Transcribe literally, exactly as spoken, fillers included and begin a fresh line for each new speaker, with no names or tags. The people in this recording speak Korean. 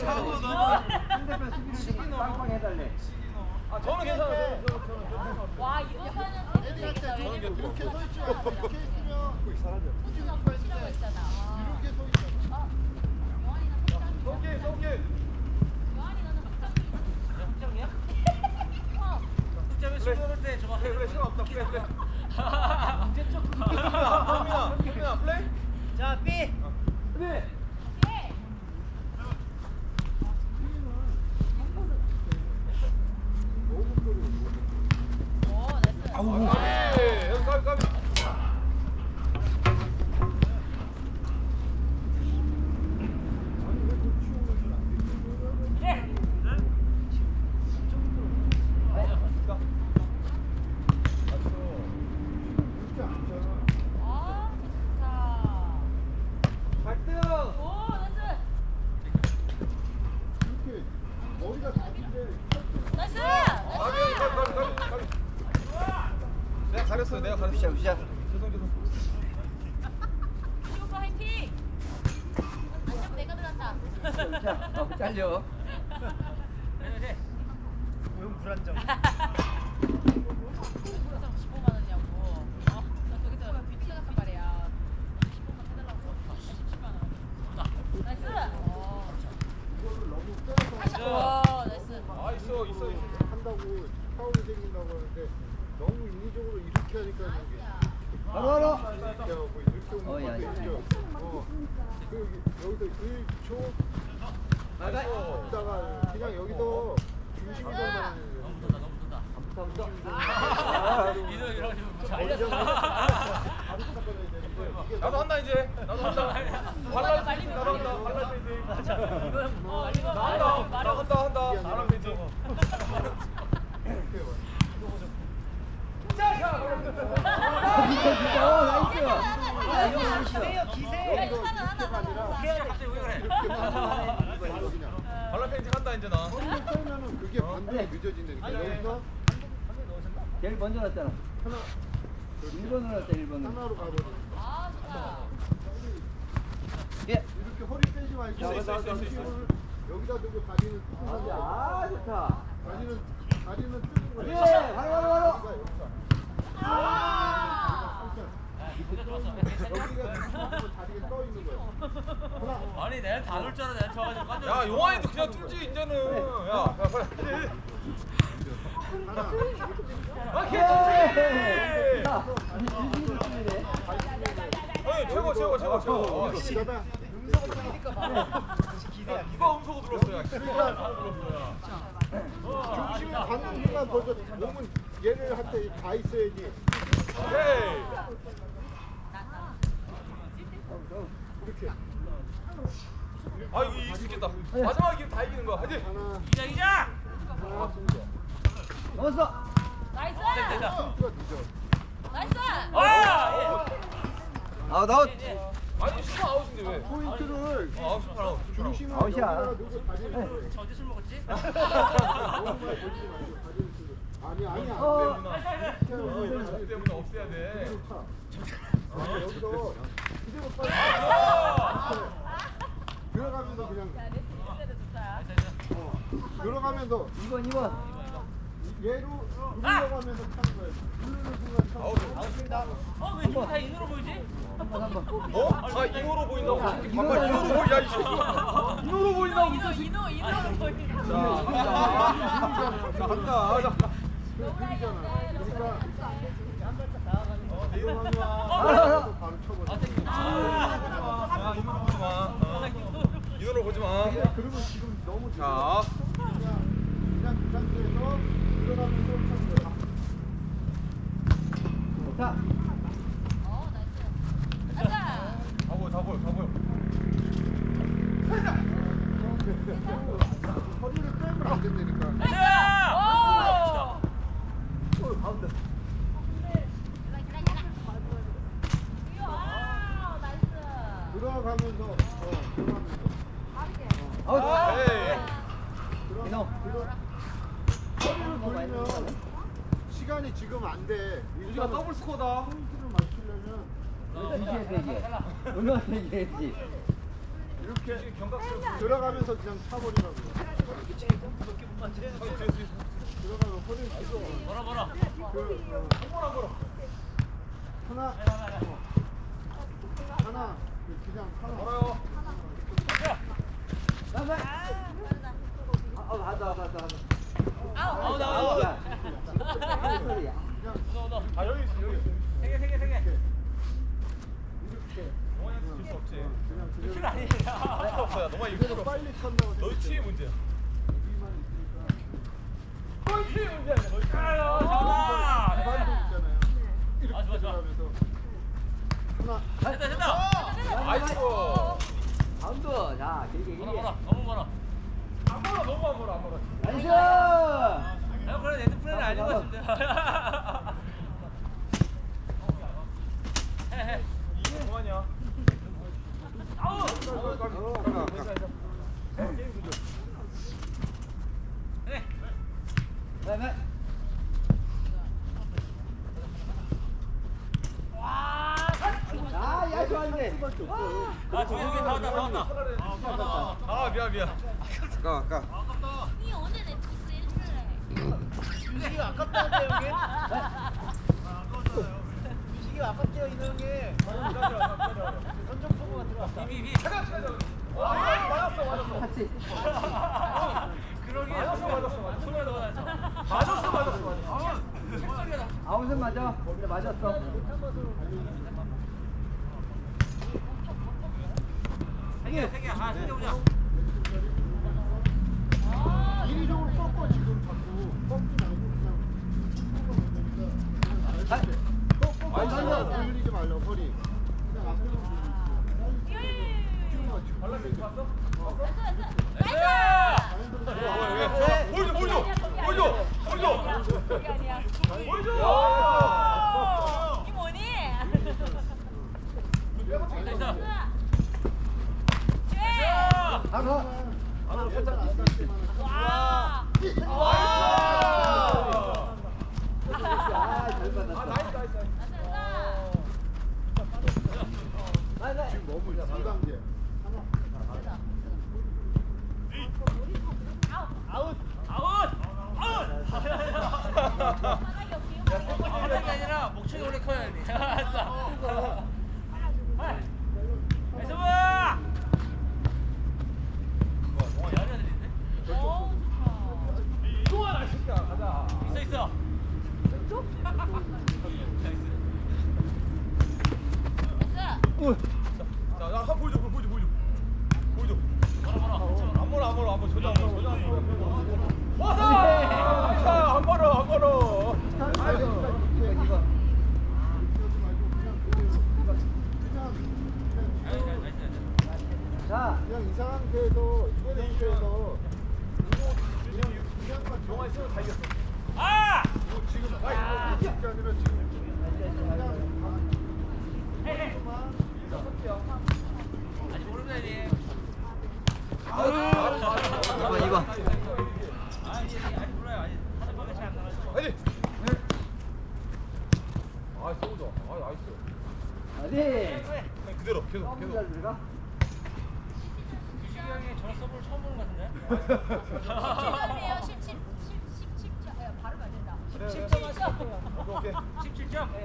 차고 너무
상대편 수비를 좀 빵빵 해달래.
아 저는 괜찮아요. 저는 저는 저는
와 이거는 되겠다.
이렇게
왜냐면
서 있지 말고 이렇게 있으면
거기 사라져.
호주가 붙이라고 했잖아.
이렇게 서 있잖아.
어? 영환이는 확장이야.
오케이 오케이.
영환이 너는 확장이야.
확정이야?
어.
득점에 숨어놓을 때 저거
그래 그래 시간 없다. 그래 그래.
문제 좀.
현민아 현민아 플레이.
자 B.
네.
오케이. 오, 나이스.
아우. 여기 가비 가비.
아, 좋다.
갈등.
오, 나이스.
이렇게 머리가 다른데
나이스.
가비 가비 가비 가비 가비. 내가 가렸어요. 내가 가렸어.
굿샷 굿샷.
죄송 죄송.
오빠 화이팅. 안녕 내가 들었다.
자, 어, 잘려.
응 불안정.
십오만 원이냐고. 어? 여기서 뷰티 같단 말이야. 십오만 해달라고. 십칠만 원. 나이스. 어.
이거를 너무 빼서
오, 나이스.
아 있어 있어 있어.
한다고 파울이 생긴다고 하는데 너무 인위적으로 이렇게 하니까 이게
바로 바로.
이렇게 하고 이렇게 오는
어, 야,
것도
야.
있죠. 어. 그 여기서 일 초
나가.
있다가 그냥 여기서 중심으로 가는
너무 든다 너무 든다.
붙어 붙어.
이러 이러
머리
이러.
잡고 바로 시작해야 되는데 이게
나도 한다 이제. 나도 한다. 발랄 페이지 나도 한다. 발랄 페이지.
맞아. 이건
어, 이거
나
말해.
한다.
말해.
나 한다 한다.
이게
발랄
아니라
페이지.
이렇게 봐.
진짜 진짜. 어 나이스. 야 이거 나이스.
야,
기세.
이거 하나, 하나, 하나, 하나.
기세야 갑자기 왜 그래?
이렇게 하면 이거 그냥
발랄 페이지 한다 이제 나.
허리를 빼면은 그게 반대로 늦어진다니까.
아니, 아니,
여기서
제일 먼저 났잖아.
하나
일 번으로 났다 일 번으로.
하나로 가버리는 거.
아, 좋다.
예.
이렇게 허리 빼지 말고
있어, 있어, 있어, 있어, 있어.
중심을 여기다 두고 다리는 뜨는 거.
아 좋다.
다리는 다리는 뜨는 거.
예. 바로 바로 바로.
아.
기세가 좋았어.
여기가 중심으로 다리가 떠 있는 거야. 하나.
아니 내가 다 놀 줄 알아 내가 쳐가지고 깜짝
야
놀랐어.
용환이도 그냥 뚫지 이제는. 야, 야 빨리.
하나.
오케이.
예. 자, 이 질질 질질해.
어이 최고 최고 최고 최고. 아, 씨.
그다음에
야, 누가 음소거 들었어 야. 누가 들었어 야.
중심이 받는 순간 벌써 몸은 얘를 한테 가 있어야지.
오케이.
이렇게
아 이거 익숙했다. 마지막에 이기면 다 이기는 거야. 화이팅.
하나.
이자 이자.
하나.
넘었어.
나이스.
됐다.
선수가 늦어.
나이스.
아
아웃 아웃.
예.
아니 슈퍼 아웃인데 왜?
포인트를
아 아웃 슈퍼 아웃.
중심을
아웃이야.
여기다 두고 다리를
저 어디 술 먹었지?
너무 많이 걸지 말고 다리를 쓰고. 아니 아니야.
어.
때문에 이걸 저 때문에 없애야 돼.
그대로 차. 아, 여기서 그대로 빨리 들어가면서 그냥
야, 내 팀이 좋다.
어, 들어가면서
이 번 이 번.
얘로 누르려고 하면서 차는 거예요. 누르는 순간 차는
아웃.
거예요.
아웃입니다. 어왜 다 인으로 보이지?
한 번 한 번.
어? 아 이호로 보인다고?
야,
반말
이거는-
이호로 보이 야 이 새끼. 이호로 보인다고.
이노, 이노, 이노 보이는
자,
거.
자 간다. 자.
그리잖아. 그러니까
어, 내 이호로 하지 마.
바로 바로 쳐버려.
아, 이호로 보지 마. 어. 이호로 보지 마.
그리고 지금 너무 늦어.
자.
그냥 그냥 그 상태에서 들어가면서 차는 거야.
좋다.
어, 나이스. 가자.
다 보여, 다 보여, 다 보여.
허리를 빼면 안 된다니까.
자.
오.
가운데.
아, 나이스.
들어가면서 어, 들어가면서
아웃.
에이.
들어
이놈.
들어 허리를 돌리면 시간이 지금 안 돼.
유지가 더블 스코어다.
포인트를 맞추려면
이겨야 되지. 얼마나 이겨야지.
이렇게
경각스럽게
들어가면서 그냥 차버리라고.
아, 제- 제-
들어가면 허리를 찢어.
뭐라 뭐라.
그 어,
한번한 거라.
하나 하나 그 그냥 하나.
걸어요.
나가. 아, 맞다, 맞다, 맞다.
아우.
아우 나와.
야, 무슨 소리야?
너 너.
아 여기 있어 여기 있어.
세개 세 개 세 개.
이렇게
동원이한테 줄수 없지.
그냥
킬
그대로.
아니야.
필요 없어요. 너무
그대로
일부러.
빨리 찬다고.
너희 팀이 문제야.
여기만 있으니까.
너희 팀이 문제야. 너희 팀이.
아유 잡아.
기반도 있잖아요. 이렇게
아, 좋아, 좋아.
들어가면서 하나.
됐다 됐다.
아이고.
바운드. 자, 길게,
뭐라
길게.
뭐라. 너무 뭐라.
안 멀어 너무 안 멀어 안 멀어.
나이스!
야 그래 레드 플레이는 아닌 것 같은데. 해해.
이게 동환이야.
아우.
게임 구조.
해.
네, 네. 아, 야, 좋았네.
아 조용히 다 왔다 다 왔다.
아 미안 미안.
아까, 아까.
이 오늘 넷플릭스 일주일에.
유식이가 아깝다는데 형님? 유식이가 아깝대요 이노 형님. 선정 소모가 들어왔다.
비비 비.
와 맞았어 맞았어.
같이.
그러게.
맞았어 맞았어 맞았어.
손을 넣어 놨어.
맞았어 맞았어 맞았어.
실속이다.
아웃은 맞아. 근데 맞았어.
세개 세 개. 아 세 개 보자.
이리적으로 꺾어 지금 자꾸 꺾지 말고 그냥
아,
꺾어 꺾어 돌리지 말라고 허리 그냥 앞으로 돌리고
발라드 봤어?
나이스.
보여줘 보여줘 보여줘 보여줘
그게 아니야.
보여줘.
이 뭐니?
나이스.
쟤.
가서.
하나 살짝 안 닿지만
와.
아, 잘 받았어.
아 나이스 나이스 나이스.
지금 너무 이 단계
아웃. 아웃.
바닥이 없어요.
바닥이 아니라 목청이 원래 커야 돼. 나이스 봐. 와, 야리야 들리는데?
어.
동환아 새끼야 가자.
있어 있어.
됐어.
자야 한 보여줘 보여줘 보여줘 보여줘.
뭐라 뭐라.
안 멀어 안 멀어 안 멀어 저장 안 멀어 저장 안 멀어. 와서 안 멀어 안 멀어.
이거.
나이스 나이스.
자,
그냥 이 상태에서 이 상태에서 그냥 그냥만
영화 있으면 다 이겼어.
아!
이거 지금 아니 이게 아니라 지금
헤헤. 아직 모릅니다 이제.
이번, 이번.
아 이제 아직 몰라요. 아직 하는 법에 잘안 나가지고.
아니. 아 쏘자. 아 나이스.
어디?
그냥 그대로 계속
잘
계속.
들어가?
유식이 형이 저런 서브를 처음 보는 것 같은데?
십점이에요. 십칠. 십칠 점. 발음 안 된다.
그래,
십칠
그래.
점 하세요.
오케이 오케이.
십칠 점.